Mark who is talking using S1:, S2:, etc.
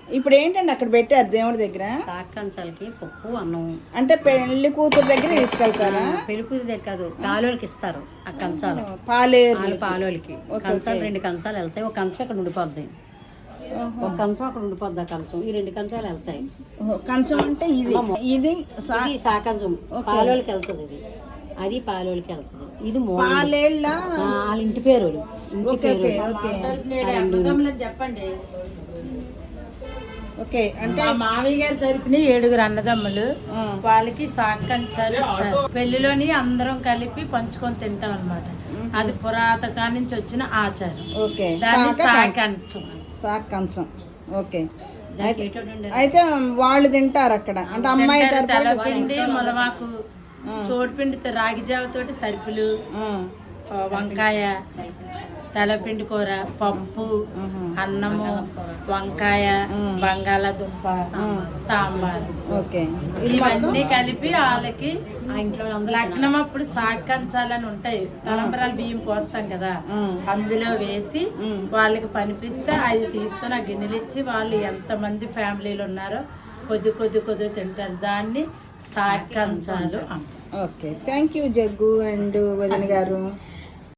S1: ఇప్పుడు ఏంటండి అక్కడ పెట్టారు దేవుడి దగ్గర
S2: సాకంచాలకి పప్పు అన్నం
S1: అంటే పెళ్లి కూతురు దగ్గర తీసుకెళ్తారా?
S2: పెళ్లి కూతురు దగ్గర కాదు, పాలోళ్ళకి ఇస్తారు ఆ కంచాలు.
S1: పాలేరు
S2: పాలోళ్ళకి కంచాలు 2 కంచాలు వెళ్తాయి. ఒక కంచం ఇక్కడ ఉండిపోద్ది, ఒక కంచం అక్కడ ఉండిపోద్ది. ఆ కంచం ఈ 2 కంచాలు వెళ్తాయి.
S1: కంచం అంటే ఇది ఇది
S2: సాకంచం పాలోళ్ళకి వెళ్తుంది. ఇది అది పాలోళ్ళకి వెళ్తుంది. ఇది
S1: పాలేళ్ళ
S2: వాళ్ళ ఇంటి పేరు.
S3: చెప్పండి.
S1: ఓకే, అంటే
S3: మా మామయ్య గారి తరపున 7 అన్నదమ్ములు, వాళ్ళకి సాకంచాలు ఇస్తారు. పెళ్లిలోని అందరం కలిపి పంచుకొని తింటాం అన్నమాట. అది పురాతకా నుంచి వచ్చిన ఆచారం.
S1: ఓకే,
S3: దాన్ని సాకంచం.
S1: సాకంచం. ఓకే, అయితే వాళ్ళు తింటారు అక్కడ. అంటే అమ్మాయి
S3: తెల్లపిండి, మొలమాకు, చోటుపిండితో రాగి జావతోటి సరుకులు, వంకాయ, తెల్లపిండి కూర, పప్పు, అన్నము, వంకాయ, బంగాళాదుంప, సాంబార్, ఇవన్నీ కలిపి వాళ్ళకి లగ్నం అప్పుడు సాకంచాలని ఉంటాయి. తలంబరాలు బియ్యం పోస్తాం కదా, అందులో వేసి వాళ్ళకి పనిపిస్తే అది తీసుకొని ఆ గిన్నెలు ఇచ్చి వాళ్ళు ఎంతమంది ఫ్యామిలీలు ఉన్నారో కొద్ది తింటారు. దాన్ని సాకంచాలు అంటారు.
S1: Okay, thank you Jaggu and వదిన గారు.